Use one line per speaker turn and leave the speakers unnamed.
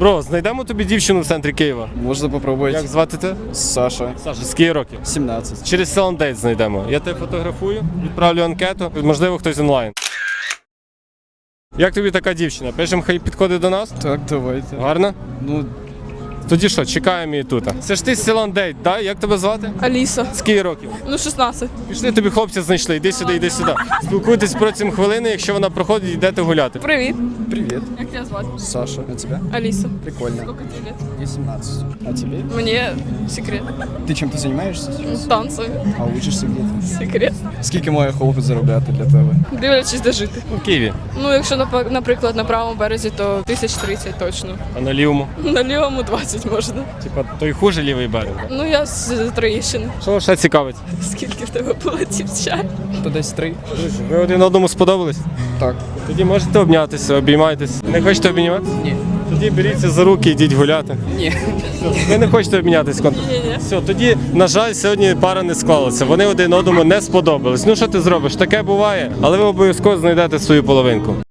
Бро, знайдемо тобі дівчину в центрі Києва.
Можна попробувати.
Як звати тебе?
Саша.
Саша, скільки років?
17.
Через Селандейт знайдемо. Я тебе фотографую, відправлю анкету, можливо, хтось онлайн. Як тобі така дівчина? Пишемо, хай підходить до нас?
Так, давайте.
Гарно?
Ну,
Тоді що, чекаємо її тут. Це ж ти з Селандейт, так? Як тебе звати?
Аліса.
Скільки років?
Ну, 16.
Пішли, тобі хлопця знайшли, іди сюди, іди сюди. Спілкуйтесь протягом хвилини, якщо вона проходить, йдете гуляти.
Привіт.
привет.
Як тебе звати?
Саша. А тебя?
Аліса.
Прикольно.
Сколько тебе лет?
Мне 17. А тебе?
Мені секрет.
Ти чим-то займаєшся?
Танцями.
А учишся где-то?
Секрет.
Скільки має хлопець заробляти для тебе?
Дивлячись, де жити.
У Києві.
Ну, якщо, наприклад, на правому березі, то 1030 точно.
А на лівому?
На лівому 20 можна.
Типа той хуже лівий берег.
Ну, я з Троєщини.
Що ще цікавить?
Скільки в тебе було дівчат?
То десь 3.
Друзі, ви один одному сподобались?
Так.
Тоді можете обнятися, обіймайтесь. Не хочете обійматися?
Ні.
Тоді беріться за руки, йдіть гуляти.
Ні.
Ви не хочете обмінятися?
Ні-ні.
Все, тоді, на жаль, сьогодні пара не склалася. Вони один одному не сподобались. Ну що ти зробиш? Таке буває, але ви обов'язково знайдете свою половинку.